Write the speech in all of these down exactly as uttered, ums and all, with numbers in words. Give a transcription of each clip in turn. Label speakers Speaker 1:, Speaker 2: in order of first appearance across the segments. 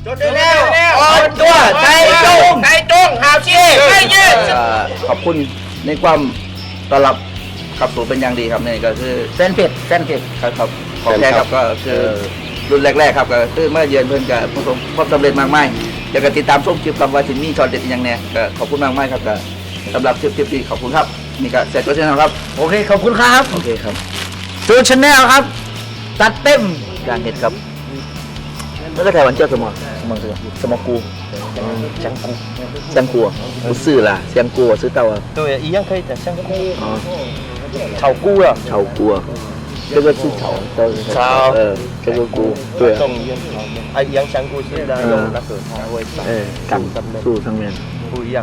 Speaker 1: จดได้แล้วอ่อนตัวใจจงใจจงหาวชีไม่ยืดขอบคุณในความต้อนรับขับสู่เป็นอย่างดีครับนี่ก็คือเส้นเผ็ดเส้นเผ็ดครับครับของแท้ครับก็คือรุ่นแรกๆครับก็คือเมื่อเยือนเพิ่นกับประสบความสำเร็จมากมายอยากจะติดตามชมคลิปคำว่าสินมีช็อตเด็ดอย่างเนี้ยก็ขอบคุณมากมายครับก็สำหรับคลิปคลิปนี้ขอบคุณครับนี่ก็เสร็จก็เช่นนั้นครับโอเคขอบคุณครับโอเคครับซูชแนลครับตัดเต็มการเห็ดครับแล้วก็ถ่ายวันเจ้าสมองสมองสมองกูจังกูจังกูกูซื้อล่ะเสียงกูซื้อเต่า
Speaker 2: 对，一样可以的，香菇。
Speaker 1: 哦，
Speaker 2: 炒菇了。
Speaker 1: 炒菇啊，这个是炒的。
Speaker 2: 炒。
Speaker 1: 呃，这个菇。对啊。
Speaker 2: 种一样炒面，啊，一样香菇是在用那个它会长。
Speaker 1: 哎，长树上面。
Speaker 2: 不一样。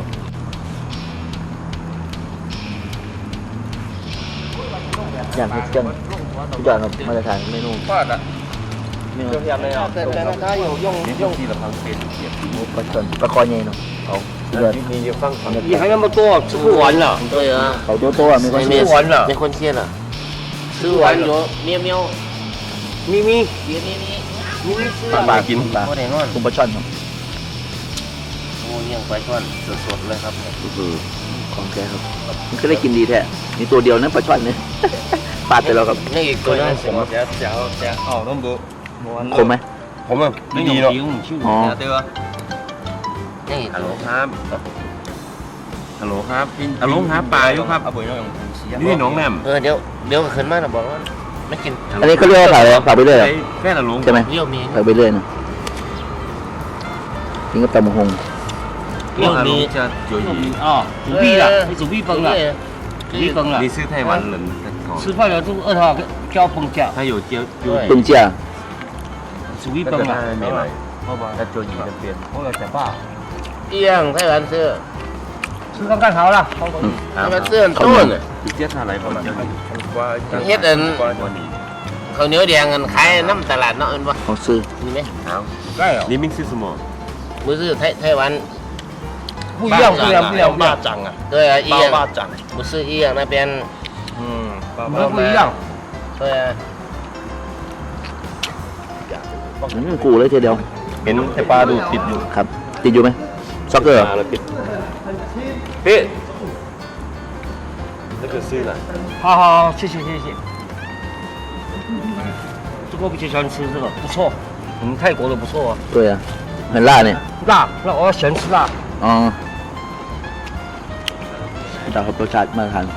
Speaker 1: อย่างที่เจ้าทุกอย่างครับมาตรฐานเมนู
Speaker 2: 画的。就下面要。对，但是它有用用。
Speaker 1: ปลาช่อนปลาคอใหญ่เนาะเอา你
Speaker 2: 你就放你还那么多，吃不完了。
Speaker 3: 对啊，
Speaker 1: 好多多啊，没关系。
Speaker 2: 吃完了，
Speaker 3: 没关系了。吃完咗喵喵，
Speaker 2: 咪咪，
Speaker 3: 咪咪咪，
Speaker 2: 咪咪吃
Speaker 1: ปลาปลากินปลา
Speaker 3: 我哋นอน
Speaker 1: คุณปลาช่อนครับ
Speaker 3: โอ้ยังปลาช่อนสดๆเลยครับ
Speaker 1: คือของแกครับมันก็ได้กินดีแท้มีตัวเดียวนะปลาช่อนเนี่ยปาดไปแล้วครับ
Speaker 3: นี่อีกตัวนึงผม
Speaker 2: 加加加哦，那么多。
Speaker 1: คมไหม
Speaker 2: ผมอ่ะไม่ดีหรอก
Speaker 1: อ๋อ
Speaker 2: เดี๋ยว
Speaker 3: นี่
Speaker 2: ฮัลโหลครับฮัลโหลครับฮัลโหลครับปลาอยู่ครับนี่น้องแหนม
Speaker 3: เออเดี๋ยวเดี๋ยวขึ้นมาแล้วบอกว่าไม่กิน
Speaker 1: อันนี้เขาเรียกว่าผัดอะไรผัดไปเรื่อย
Speaker 2: แค่ฮัลโหล
Speaker 1: ใช่ไหม
Speaker 3: เลี้ยวมี
Speaker 1: ผัดไปเรื่อยนะกินกับตำมะฮง
Speaker 3: เลี้ยวมี
Speaker 2: จะจุย
Speaker 4: 哦，主币了，你主币崩了，主币崩了
Speaker 2: นี่。ซื้อไต้หวันเหรอ
Speaker 4: 吃饭了就二号交崩价，
Speaker 2: ถ้าอยู่เจียวจุย
Speaker 1: ปึงเจีย
Speaker 4: 主币崩了。
Speaker 2: ไม่ไหวถ้าจุยจะเปลี่ยน
Speaker 4: 我有想法，
Speaker 3: เอี้ยงไต้หวันซื้อ
Speaker 4: 吃看看好了。
Speaker 3: ไต้หวันซื้อต้น
Speaker 2: เจี๊ยบอะไรประมาณนี้
Speaker 3: เฮ็ดอันข้าวเหนียวแดงกันขายน้ำตลาดเนาะอันว่า
Speaker 1: เขาซื้อ
Speaker 3: มีไหมเอา
Speaker 4: 对哦，
Speaker 2: นี่มิ่งซื้อสมอง
Speaker 3: มือซื้อไต้ไต้หวัน
Speaker 4: 不一样，不一样，不一样，不一样，
Speaker 2: จังอ่ะ
Speaker 3: 对啊一样
Speaker 2: บ้าจัง
Speaker 3: มือซื้อเอี้ยง那边
Speaker 2: อืม
Speaker 4: 我们不一样。
Speaker 3: 对啊
Speaker 1: อืมกูเลยทีเดียว
Speaker 2: เห็นแต่ปลาดูติดอยู่
Speaker 1: ครับ ติดอยู่ไหมซ็อกเกอร์เหรอ
Speaker 2: ปลาเราติดพี่นี่คือซื้ออะไร
Speaker 4: 好好好，谢谢谢谢。这个我比较喜欢吃这个，不错，我们泰国的不错啊。
Speaker 1: 对啊很辣เนี่ย
Speaker 4: 辣，那我喜欢吃辣。
Speaker 1: อ๋อดาวครับรสชาติมาตรฐาน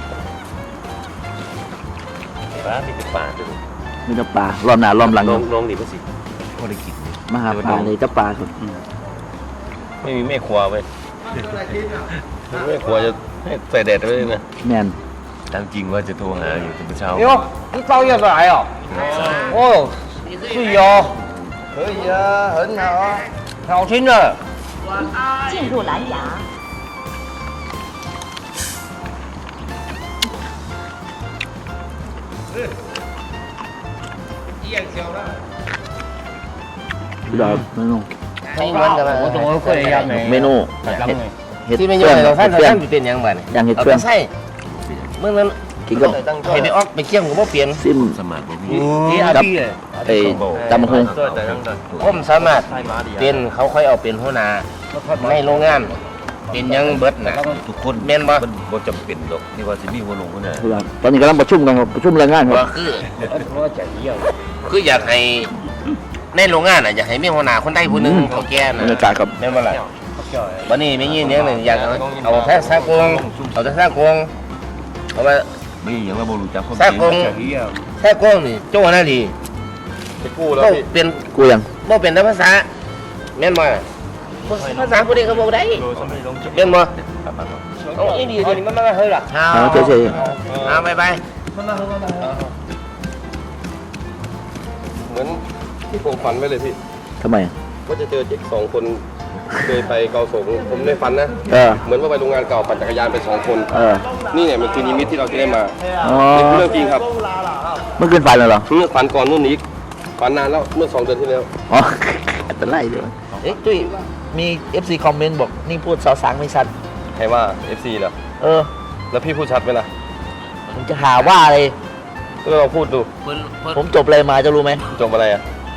Speaker 2: ปลาที่เป็นปลาดู
Speaker 1: มีแต่ปลารอบหน้ารอบหลัง
Speaker 2: น้องน้องดีป่ะสิ
Speaker 4: 我的กิน
Speaker 1: มาหาปลาเลยจะปลาครับ
Speaker 2: ไม่มีแม่ครัวเว้ยแม่ครัวจะให้ใส่แดดไว้เลยนะ
Speaker 1: แมน
Speaker 2: ตามจริงว่าจะโทรหาอยู่แต่เช้า
Speaker 4: 哎呦，你照样的来哦。哦，对哦，
Speaker 2: 可以啊很好啊
Speaker 4: 好听的。
Speaker 5: 进入蓝牙。
Speaker 1: พี่ดาวเมนู
Speaker 3: ไต้หวันกันมา
Speaker 4: 我怎么会一样呢？
Speaker 1: เมนู
Speaker 4: 大张的。
Speaker 1: เห็ด
Speaker 3: ที่ไม่
Speaker 1: เพื่
Speaker 3: ย่
Speaker 1: อ
Speaker 3: อน ยเราท่าน
Speaker 1: เห็ดเพื่อน
Speaker 3: ท่านเป็นยังไง
Speaker 1: อย่างเห็ด
Speaker 3: เอา
Speaker 1: เพื่อน
Speaker 3: ไปใส่เมื่อนั้น
Speaker 1: กินกับ
Speaker 3: ให้ไปออกไปเกี่ยมกับว่าเปลี่ยน
Speaker 1: ซิม
Speaker 2: สมัครบ่มี
Speaker 4: 你阿弟嘞？
Speaker 1: ไอ้ตำมะฮง
Speaker 3: ผมสามารถเป็นเขาค่อยเอาเป็นหัวหน้าในโรงงานเป็นยังเบิดนะ
Speaker 2: ทุกคน
Speaker 3: แม่นบ่
Speaker 2: มันบ่จำเป็นหรอกนี่ว่าสิมีหัวลงหัวหน้า
Speaker 1: ตอนนี้กำลังประชุมกันครับประชุมแรงงานครับ
Speaker 3: ว่าคือ
Speaker 4: 我讲一样。
Speaker 3: คืออยากให้ในโรงงานน่ะอยากให้มีหัวหน้าคนใดผู้หนึงของแก
Speaker 1: บร
Speaker 3: น่ะ
Speaker 1: รยากาศครับ
Speaker 3: แม่นบ่ล่ะวันนี้ไม่ยินอย่างหนึงอยากเอาแท้ซากงเอาแท้ซากงเอาว่า
Speaker 2: ไม่อย่างเราบ่รู้จักคน
Speaker 3: ซากงแท้กงนี่โจ้หน้าดี
Speaker 2: ไปกู้แล้ว
Speaker 3: บ่
Speaker 2: พี่
Speaker 3: เป็น
Speaker 1: กูยัง
Speaker 3: บ่เป็นภาษาแม่นบ่ล่ะภาษาผู้ใดก็บ่ได้แม่นบ่เอาอีดีตัวนี้มันมาเฮ้ยล่ะ
Speaker 1: เอาเฉย
Speaker 3: เอาไปไป
Speaker 2: เหมือนที่ผมฝันไว้เลยพี่
Speaker 1: ๆทำไม
Speaker 2: ว่าจะเจอเด็กสองคนเคยไปเกาสงผมในฝันนะ
Speaker 1: เออ
Speaker 2: เหมือนว่าไปโรงงานเก่าปั่นจักรยานไปสองคน
Speaker 1: เออ
Speaker 2: นี่เนี่ยมันคือนิมิตที่เราจะได้มา
Speaker 1: อ๋อ
Speaker 2: นี่คือเรื่องจริงครับ
Speaker 1: เมื่อคืนฝันเหรอ
Speaker 2: เมื่อฝันก่อนนู่นนี้ฝันนานแล้วเมื่อสองเดือนที่แล้ว
Speaker 1: อ๋อเป็นไรเดี๋ยว
Speaker 3: เอ๊ะตุ้ยมี เอฟ ซี คอมเมนต์บอกนี่พูดสาวสางไม่ชัด
Speaker 2: ใครว่า เอฟ ซี เหรอ
Speaker 3: เออ
Speaker 2: แล้วพี่พูดชัดไหมล่ะ
Speaker 3: มันจะหาว่าอะไร
Speaker 2: ก็ลองพูดดู
Speaker 3: ผมจบอะไรมาจะรู้ไหม
Speaker 2: จบอะไรอ่ะ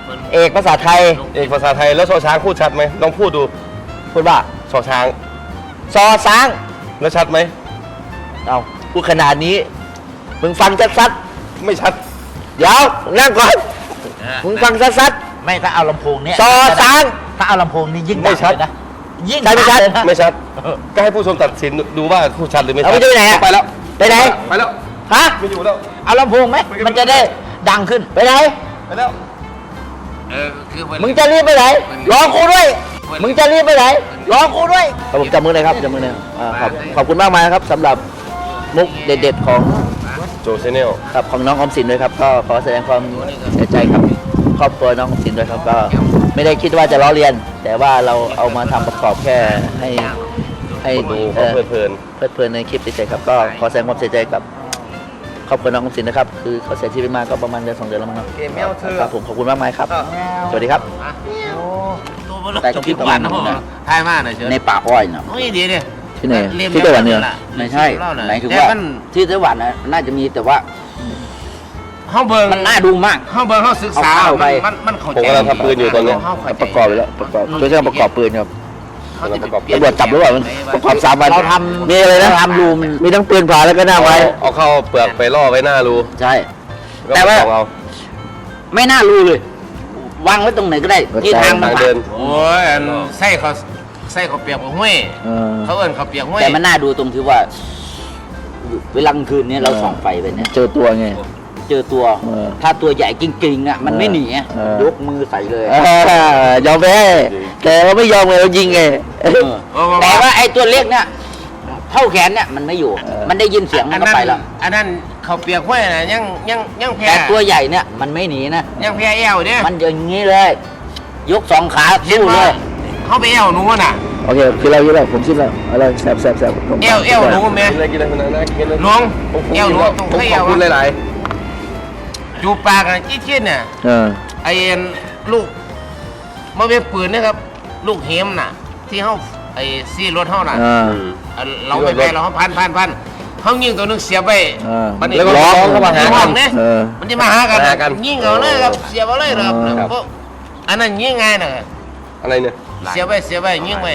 Speaker 1: เอกภาษาไทย
Speaker 3: เอกภาษาไทยแล้วชอช้างพูดชัดไหมลองพูดดู
Speaker 1: พูดว่า
Speaker 3: ชอช้าง
Speaker 1: ซอช้าง
Speaker 3: แล้วชัดไหม
Speaker 1: เอาพูดขนาดนี้มึงฟังซัด
Speaker 3: ไม่ชัด
Speaker 1: ๆเดี๋ยวนั่งก่อนมึงฟังซัด
Speaker 4: ไม่ถ้าเอาลำโพงเนี้ย
Speaker 1: ๆซอช้าง
Speaker 4: ถ้าเอาลำโพงนี่ยิ่ง
Speaker 3: ไม่ชัด
Speaker 4: เลยนะยิ่ง
Speaker 1: ใช่ไม่ชัด
Speaker 4: เลยนะ
Speaker 3: ไม่ชัด ก็ให้ผู้ชมตัดสินดูว่าพูดชัดหรือไม่ชั
Speaker 1: เอาไปดูไหนอะ
Speaker 3: ไปแล้ว
Speaker 1: ไปไหน
Speaker 3: ไปแล้ว
Speaker 1: ฮะ
Speaker 3: ไม่อยู่แล้ว
Speaker 4: เอาลำโพงไหมมันจะได้ดังขึ้น
Speaker 1: ไปไหน
Speaker 3: ไปแล้ว
Speaker 1: มึงจะรีบไปไหนรอกูด้วยมึงจะรีบไปไหนรอกูด้วยครับผมจับมือเลยครับจับมือเลยอ่าขอบขอบคุณมากมายครับสำหรับมุกเด็ดๆของ
Speaker 3: โจชแนล
Speaker 1: ครับของน้องออมสินด้วยครับก็ขอแสดงความเสียใจครับครอบครัวน้องออมสินด้วยครับก็ไม่ได้คิดว่าจะล้อเลียน แต่ว่าเราเอามาทำประกอบแค่ให้ให้
Speaker 3: ดู
Speaker 1: เอ่
Speaker 3: เขา
Speaker 1: อ
Speaker 3: เพลิน
Speaker 1: เพลิดเพลินในคลิปเฉยๆครับก็ขอแสดงความเสียใจกับครอบครัวน้องออมสินนะครับคือเขาเสียชีวิตมาก็ประมาณเดือนสองเดือนแล้วมั้งครับครับผมขอบคุณมากมายครับสวัสดีครับแต่ก็พี่ตะวันนะ
Speaker 4: ทายมากเลยเชิญ
Speaker 1: ในป่าอ้อยเนาะ
Speaker 4: โอ้ยดีดิ
Speaker 1: ที่ไหนที่ไต้หวันเนี่ย
Speaker 6: ไม่ใช่หมายถึงว่าที่ไต้หวันนะน่าจะมีแต่ว่า
Speaker 4: ห้องเบิร์
Speaker 6: มันน่าดูมาก
Speaker 4: ห้องเบิร์เขาศึกษา
Speaker 6: เอาเข้าไป
Speaker 4: มันมันเข้า
Speaker 3: ผม
Speaker 4: ใจ
Speaker 3: กำลังทำปืนอยู่ตอนเนี้ย
Speaker 1: ประกอบไปแล้วประกอบช่วยช่วยประกอบปืนครับ
Speaker 4: เขาจะไปเป
Speaker 1: ตำรวจจับหรือเปล่ามันประกอบสามวัน
Speaker 6: เราท
Speaker 1: มีอะไรนะ
Speaker 6: เราทำรูม
Speaker 1: มีทั้งปืนผาแล้วก็หน้าไว้
Speaker 3: เอาเข้าเปลือกไปล่อไว้หน้ารู
Speaker 6: ใช่
Speaker 3: ก็
Speaker 6: แต่ว่า
Speaker 3: ส่องเอา
Speaker 6: ไม่น่ารู้เลย วางไว้ตรงไหนก็ได้ ที่ทางมัน
Speaker 3: ทาง
Speaker 6: ผ่า
Speaker 3: เดิ
Speaker 6: น
Speaker 3: น
Speaker 4: โอ้ยอันไส้เขาไส้เขาเปียกกับห้วย
Speaker 1: เออ
Speaker 4: เขาเอิ้นเขาเปียกห้วย
Speaker 6: แต่มันน่าดูตรงที่ว่า เวลากลางคืนเนี้เราส่องไฟไปเนี่ย
Speaker 1: เจอตัวไง
Speaker 6: เจอตัว
Speaker 1: เออ
Speaker 6: ถ้าตัวใหญ่จริงๆอ่ะมันไม่หนีอะ
Speaker 1: เออ
Speaker 6: ยกมือใส่เลย
Speaker 1: อ่ายอมแพ้แต่ว่าไม่ยอมเลยเรายิงไง
Speaker 6: เออแต่ว่าไอ้ตัวเล็กเนี่ยเท่าแขนเนี่ยมันไม่อยู่
Speaker 1: เออ
Speaker 6: มันได้ยินเสียงมันก็ไปแล้ว
Speaker 4: อันนั้นเขาเปียกห้วยนะยังยังยังแพ้
Speaker 6: แต่ตัวใหญ่เนี่ยมันไม่หนีนะ
Speaker 4: ยังแพ้แอวเนี่ย
Speaker 6: มันอย่างนี้เลย ยกสองขา
Speaker 4: เห็น
Speaker 6: สู้เล
Speaker 4: ว่าย เขาไปแอวหนูน่ะ
Speaker 1: โอเคกินแล้วกินแล้วผมชิมแล้วอะไรแซ่บแซ่บแซ่บผม
Speaker 4: แอวแอวหนูแม่
Speaker 3: กินอะไรกินอะไรคนนั้นนะกินอะไร
Speaker 4: หลวง
Speaker 3: ผม
Speaker 4: แอวหนู
Speaker 3: ผม
Speaker 4: ต้อง
Speaker 3: ผม
Speaker 4: ให้
Speaker 3: ข
Speaker 4: แอ
Speaker 3: อบ
Speaker 4: ว
Speaker 3: คุณหลาย
Speaker 4: จูบปากกันจี้ชิ้นเนี่ย
Speaker 1: เออ
Speaker 4: ไอ้ลูกมันเป็นปืนนะครับ ลูกเฮมน่ะ ที่เขาไอ้ซี่รถเขาน่ะ
Speaker 1: อ่า
Speaker 4: อันเราไปไปเราเขาพันพันพันเขายิงตัวนึงเสียบไป
Speaker 1: อ่า
Speaker 4: มัน
Speaker 3: แล้วก็ร้องเข้ามาหา
Speaker 4: ห้
Speaker 3: กั
Speaker 4: อน งเนี่ย
Speaker 1: เออ
Speaker 4: มันจะมาหากัน
Speaker 3: มาหากัน
Speaker 4: ยิงเอาเลยครับเสียบเอาเลยครับ
Speaker 1: อ๋อ
Speaker 4: เพราะอันนั้นยิงง่ายน่ะ
Speaker 3: อะไรเนี่ย
Speaker 4: เสียบไปเสียบไปยิงไป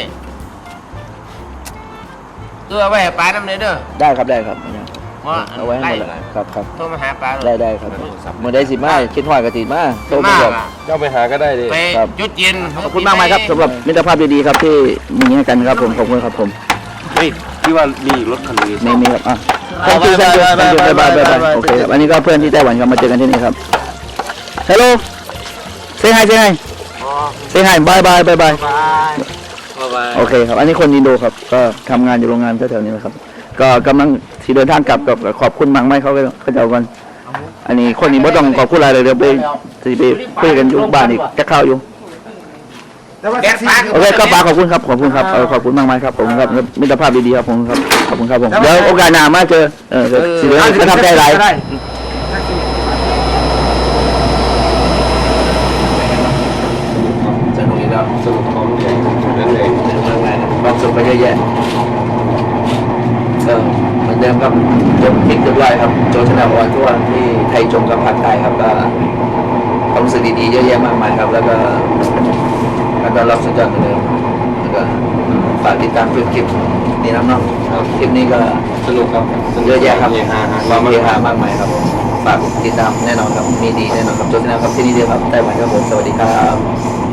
Speaker 4: เออเอาไว้ให้ปลาน้ำเลยเด้อ
Speaker 1: ได้ครับได้ครับ
Speaker 4: ว่า
Speaker 1: เอาไว้ให้หมดเลยครับครับ
Speaker 4: โทรมาหาปลา
Speaker 1: ได้ได้ครับเมื่อได้สิมาคิดหอยกระติมาโต
Speaker 4: โทร
Speaker 1: มา
Speaker 4: มา
Speaker 1: บอก
Speaker 4: อ่ะ
Speaker 3: เจ้าไปหาก็ได้ดิ
Speaker 4: ไป
Speaker 1: ครับ
Speaker 4: จุดเย็น
Speaker 1: ขอบคุณมากมายครับสำหรับมิตรภาพดีๆครับที่มีให้กันครับผมขอบคุณครับผม
Speaker 3: เฮ้ยพี่ว่ามีอีกรถคันนึง
Speaker 1: มีมีครับอ่ะ thank you thank you thank you บายบายบายบายโอเคครับอันนี้ก็เพื่อนที่ไต้หวันครับมาเจอกันที่นี่ครับ hello say hi say hi say hi bye bye bye bye โอเคครับ อันนี้คนอินโดครับ ก็ทำงานอยู่โรงงานแถวๆนี้นะครับ ก็กำลังที่เดินทางกลับกับขอบคุณมังไหมเขาก็เขาจะเอากัน อันนี้คนนี้ไม่ต้องขอบคุณอะไรเลยเดี๋ยวไปสิไปคุยกันอยู่บ้านอีกจะเข้าอยู่
Speaker 4: แดดปลา
Speaker 1: โอเคก็ฝากขอบคุณครับ ขอบคุณครับเออขอบคุณมากมายครับผมครับมิตรภาพดีๆครับผมครับ ขอบคุณครับผม เดี๋ยวโอกาสหน้ามาเจอ เออเดี๋ยวสิเดี๋ยวประทับใจหลายสนุกอีกแล้ว
Speaker 3: สรุปของใหญ่นั่นเอง
Speaker 1: ความสุขก็เยอะแยะเออเหมือนเดิมครับจบคลิปเรียบร้อยครับ โจชนาออนทั่วที่ไทยชมกับภาคใต้ครับก็ความรู้สึกดีๆเยอะแยะมากมายครับ แล้วก็แล้วก็รับสุดยอดเหมือนเดิมแล้วก็ฝากติดตามคลิปคลิปนี้น้ำเนาะคลิปนี้ก็
Speaker 3: สนุกครับ
Speaker 1: เยอะแยะครับ
Speaker 3: เฮฮาฮา
Speaker 1: ความเฮฮามากมายครับฝากติดตามแน่นอนครับมีดีแน่นอนครับโจชนาครับที่นี่เดียวครับไต้หวันครับผมสวัสดีครับ